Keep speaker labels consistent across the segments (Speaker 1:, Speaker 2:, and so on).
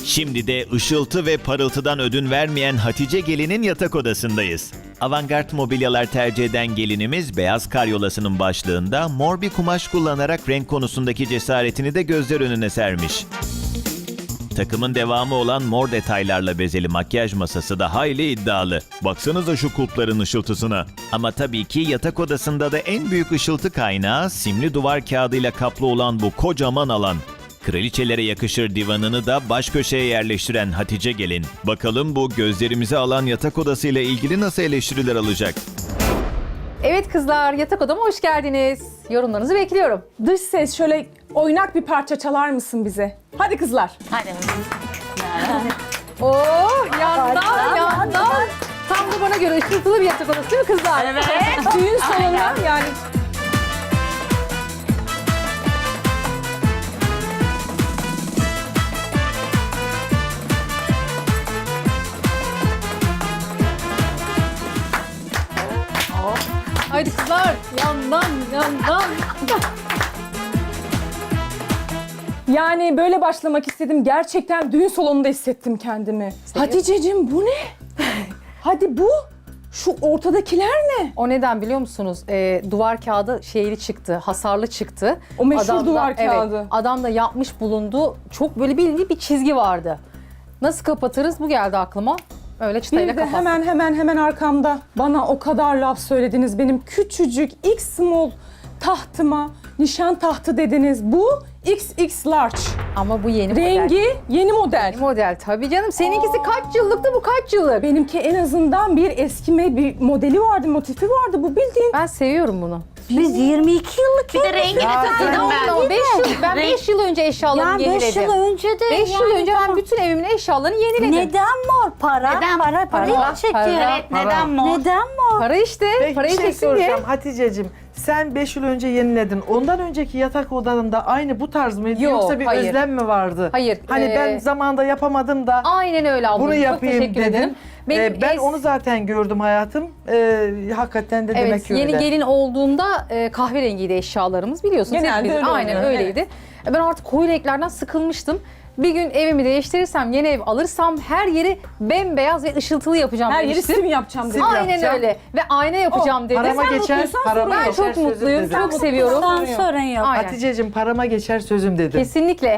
Speaker 1: Şimdi de ışıltı ve parıltıdan ödün vermeyen Hatice Gelin'in yatak odasındayız. Avantgard mobilyalar tercih eden gelinimiz beyaz karyolasının başlığında mor bir kumaş kullanarak renk konusundaki cesaretini de gözler önüne sermiş. Takımın devamı olan mor detaylarla bezeli makyaj masası da hayli iddialı. Baksanıza şu kulpların ışıltısına. Ama tabii ki yatak odasında da en büyük ışıltı kaynağı simli duvar kağıdıyla kaplı olan bu kocaman alan. Kraliçelere yakışır divanını da baş köşeye yerleştiren Hatice Gelin. Bakalım bu gözlerimizi alan yatak odasıyla ilgili nasıl eleştiriler alacak?
Speaker 2: Evet kızlar, yatak odama hoş geldiniz. Yorumlarınızı bekliyorum.
Speaker 3: Dış ses şöyle oynak bir parça çalar mısın bize? Hadi kızlar.
Speaker 4: Hadi.
Speaker 2: Oh, yandan. Tam da bana göre ışıltılı bir yatak odası değil mi kızlar?
Speaker 4: Evet.
Speaker 3: Düğün salonu yani.
Speaker 2: Haydi kızlar, yandan.
Speaker 3: Yani böyle başlamak istedim. Gerçekten düğün salonunda hissettim kendimi. Hatice'cim bu ne? Hadi bu. Şu ortadakiler ne?
Speaker 2: O neden biliyor musunuz? Duvar kağıdı şeyli çıktı, hasarlı çıktı.
Speaker 3: O meşhur
Speaker 2: Adam da-
Speaker 3: duvar kağıdı.
Speaker 2: Evet, adam da yapmış bulundu. Çok böyle bildiği bir çizgi vardı. Nasıl kapatırız? Bu geldi aklıma. Öyle çıtayla
Speaker 3: Bir de
Speaker 2: kapattık.
Speaker 3: hemen arkamda bana o kadar laf söylediniz. Benim küçücük X small tahtıma nişan tahtı dediniz. Bu XX large.
Speaker 2: Ama bu yeni model.
Speaker 3: Rengi yeni model.
Speaker 2: Yeni model tabii canım. Seninkisi kaç yıllıktı, bu kaç yıllık?
Speaker 3: Benimki en azından bir eskime bir modeli vardı, motifi vardı. Bu bildiğin.
Speaker 2: Ben seviyorum bunu.
Speaker 5: Biz 22 yıllık
Speaker 4: Bir de rengini takıldım ben.
Speaker 2: Ama 5 yıl önce eşyalarımı
Speaker 5: yani 5
Speaker 2: yeniledim.
Speaker 5: yıl önce de
Speaker 2: 5 yıl önce ben bütün evimin eşyalarını yeniledim.
Speaker 5: neden mor para?
Speaker 4: Neden?
Speaker 5: Para
Speaker 2: Para,
Speaker 5: çekiyor.
Speaker 2: para.
Speaker 4: Evet, neden mor?
Speaker 5: Neden mor?
Speaker 2: Para işte.
Speaker 6: Peki
Speaker 2: Parayı
Speaker 6: bir şey
Speaker 2: çeksin diye.
Speaker 6: soracağım Hatice'cim. Sen 5 yıl önce yeniledin. Ondan önceki yatak odanında aynı bu tarz mıydı
Speaker 2: Yok,
Speaker 6: yoksa bir
Speaker 2: hayır.
Speaker 6: özlem mi vardı?
Speaker 2: Hayır,
Speaker 6: Hani ben zamanında yapamadım da
Speaker 2: Aynen öyle ablacığım.
Speaker 6: bunu
Speaker 2: Çok
Speaker 6: yapayım
Speaker 2: teşekkür
Speaker 6: dedim.
Speaker 2: ederim. Benim
Speaker 6: Ben onu zaten gördüm hayatım. Hakikaten de demek
Speaker 2: Evet,
Speaker 6: ki öyle.
Speaker 2: yeni gelin olduğunda kahverengiydi eşyalarımız biliyorsunuz.
Speaker 3: Genelde
Speaker 2: hepimizin.
Speaker 3: öyle
Speaker 2: Aynen
Speaker 3: oluyor,
Speaker 2: öyleydi. Ben artık koyu renklerden sıkılmıştım. Bir gün evimi değiştirirsem, yeni ev alırsam her yeri bembeyaz ve ışıltılı yapacağım
Speaker 3: Her yeri
Speaker 2: demiştim.
Speaker 3: sim yapacağım dedi.
Speaker 2: Aynen
Speaker 6: yapacağım.
Speaker 2: öyle. Ve ayna yapacağım dedim.
Speaker 6: Parama geçer,
Speaker 3: mutluysan
Speaker 6: parama
Speaker 2: Ben
Speaker 6: geçer
Speaker 2: çok
Speaker 6: sözüm
Speaker 2: mutluyum,
Speaker 6: dedi.
Speaker 2: çok seviyorum.
Speaker 5: Ondan sorun yok.
Speaker 2: Aynen.
Speaker 6: Hatice'cim parama geçer sözüm dedi.
Speaker 2: Kesinlikle.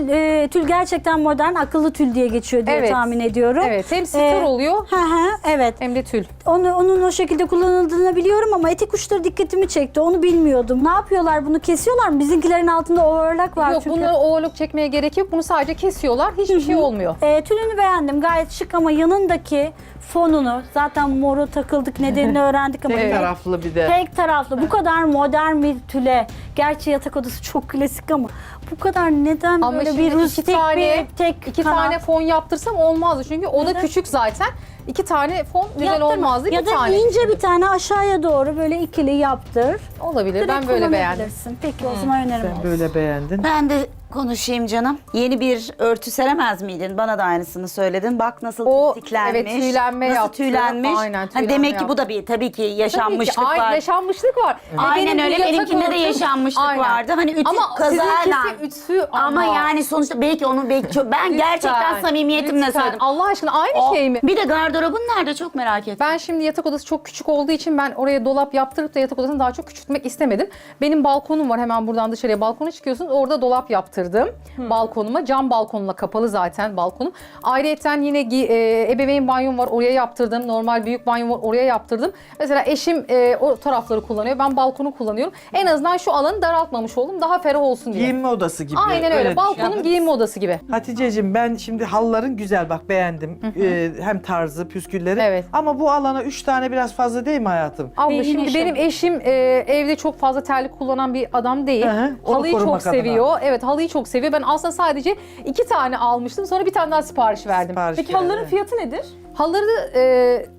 Speaker 5: Tül gerçekten modern, akıllı tül diye geçiyor diye
Speaker 2: Evet.
Speaker 5: tahmin ediyorum.
Speaker 2: Evet, hem sitar oluyor
Speaker 5: Evet.
Speaker 2: hem de tül.
Speaker 5: Onun o şekilde kullanıldığını biliyorum ama etek uçları dikkatimi çekti. Onu bilmiyordum. Ne yapıyorlar? Bunu kesiyorlar mı? Bizimkilerin altında overlock var
Speaker 2: Yok,
Speaker 5: çünkü.
Speaker 2: bunları overlock çekmeye gerek yok. Bunu sadece kesiyorlar. Hiçbir şey olmuyor.
Speaker 5: Tülünü beğendim. Gayet şık ama yanındaki fonunu zaten moru takıldık, nedenini öğrendik ama
Speaker 6: Tek taraflı bir de.
Speaker 5: tek taraflı. Bu kadar modern bir tüle. Gerçi yatak odası çok klasik ama bu kadar neden
Speaker 2: Ama
Speaker 5: böyle
Speaker 2: şimdi
Speaker 5: bir rustik bir tek
Speaker 2: iki
Speaker 5: kanat?
Speaker 2: tane fon yaptırsam olmazdı. Çünkü o da
Speaker 5: Neden?
Speaker 2: küçük zaten. 2 tane fon güzel
Speaker 5: Yaptırma.
Speaker 2: olmazdı.
Speaker 5: Ya
Speaker 2: bir
Speaker 5: da
Speaker 2: tane.
Speaker 5: ince bir tane aşağıya doğru böyle ikili yaptır.
Speaker 2: Olabilir.
Speaker 5: Direkt
Speaker 2: Ben böyle beğendim.
Speaker 5: kullanabilirsin. Peki o zaman önerim
Speaker 6: Sen
Speaker 5: olsun.
Speaker 6: böyle beğendin.
Speaker 4: Ben de konuşayım canım. Yeni bir örtü seremez miydin? Bana da aynısını söyledin. Bak nasıl
Speaker 2: O,
Speaker 4: tiftiklenmiş.
Speaker 2: evet, tüylenme
Speaker 4: nasıl
Speaker 2: yaptı.
Speaker 4: tüylenmiş.
Speaker 2: Aynen,
Speaker 4: Ha,
Speaker 2: tüylenme
Speaker 4: demek ki bu
Speaker 2: yaptı.
Speaker 4: da bir tabii ki yaşanmışlık
Speaker 2: Tabii ki,
Speaker 4: var.
Speaker 2: yaşanmışlık var. Ve
Speaker 4: Aynen
Speaker 2: benim bu
Speaker 4: öyle.
Speaker 2: yatak
Speaker 4: Benimkinde de
Speaker 2: odam-
Speaker 4: yaşanmışlık
Speaker 2: Aynen.
Speaker 4: vardı. Hani ütü
Speaker 2: Ama
Speaker 4: kazayla.
Speaker 2: sizinkisi ütü
Speaker 4: Ama yani sonuçta belki onu ben gerçekten
Speaker 2: Lütfen,
Speaker 4: samimiyetimle
Speaker 2: lütfen.
Speaker 4: söyledim.
Speaker 2: Allah aşkına aynı
Speaker 4: O-
Speaker 2: şey mi?
Speaker 4: Bir de gardırobun nerede çok merak ettim.
Speaker 2: Ben şimdi yatak odası çok küçük olduğu için ben oraya dolap yaptırıp da yatak odasını daha çok küçültmek istemedim. Benim balkonum var, hemen buradan dışarıya balkona çıkıyorsunuz. Orada dolap yaptırdım balkonuma. Cam balkonla kapalı zaten balkonum. Ayrıyeten yine ebeveyn banyom var, oraya yaptırdım. Normal büyük banyom var, oraya yaptırdım. Mesela eşim o tarafları kullanıyor. Ben balkonu kullanıyorum. En azından şu alanı daraltmamış oldum. Daha ferah olsun diye.
Speaker 6: Giyinme odası gibi.
Speaker 2: Aynen öyle. Balkonum
Speaker 6: düşün.
Speaker 2: giyinme odası gibi.
Speaker 6: Hatice'cim ben şimdi halıların güzel bak beğendim. Hem tarzı, püskülleri.
Speaker 2: Evet.
Speaker 6: Ama bu alana 3 tane biraz fazla değil mi hayatım?
Speaker 2: Abla
Speaker 5: Yine
Speaker 2: şimdi
Speaker 5: şey-
Speaker 2: benim eşim evde çok fazla terlik kullanan bir adam değil.
Speaker 6: Hı hı, onu
Speaker 2: Halıyı çok
Speaker 6: korumak adına.
Speaker 2: seviyor. Evet, halıyı çok seviyor. Ben aslında sadece 2 tane almıştım. Sonra bir tane daha sipariş verdim.
Speaker 6: Sipariş
Speaker 3: Peki
Speaker 6: geldi.
Speaker 3: halıların fiyatı nedir?
Speaker 2: Halıları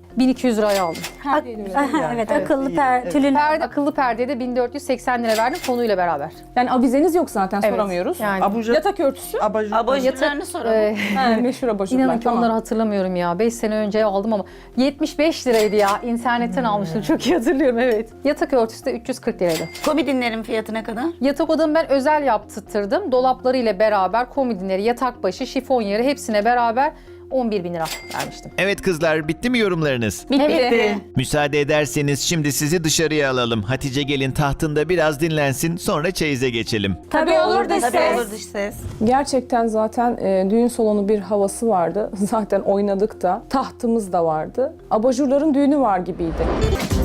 Speaker 2: 1200 liraya aldım.
Speaker 5: Aha, evet, akıllı tülün.
Speaker 2: Akıllı perdeye de 1480 lira verdim konuyla beraber.
Speaker 3: Yani avizeniz yok zaten,
Speaker 2: Evet,
Speaker 3: soramıyoruz.
Speaker 2: yani.
Speaker 6: Abajur,
Speaker 3: Yatak örtüsü.
Speaker 4: Abajurlarını soralım.
Speaker 3: Ha, meşhur abajurlar.
Speaker 2: İnanın ki
Speaker 3: tamam.
Speaker 2: onları hatırlamıyorum ya. 5 sene önce aldım ama 75 liraydı ya. İnternetten almıştım. Çok iyi hatırlıyorum, evet. Yatak örtüsü de 340 liraydı.
Speaker 4: Komodinlerin fiyatı ne kadar?
Speaker 2: Yatak odamı ben özel yaptırttırdım. Dolapları ile beraber komodinleri, yatak başı, şifon yeri hepsine beraber 11.000 lira vermiştim.
Speaker 1: Evet kızlar, bitti mi yorumlarınız?
Speaker 2: Evet.
Speaker 1: Müsaade ederseniz şimdi sizi dışarıya alalım. Hatice gelin tahtında biraz dinlensin, sonra çeyize geçelim.
Speaker 5: Tabii olur da
Speaker 4: Tabii
Speaker 5: ses.
Speaker 4: olur dış ses.
Speaker 3: Gerçekten zaten düğün salonu bir havası vardı. Zaten oynadık da. Tahtımız da vardı. Abajurların düğünü var gibiydi.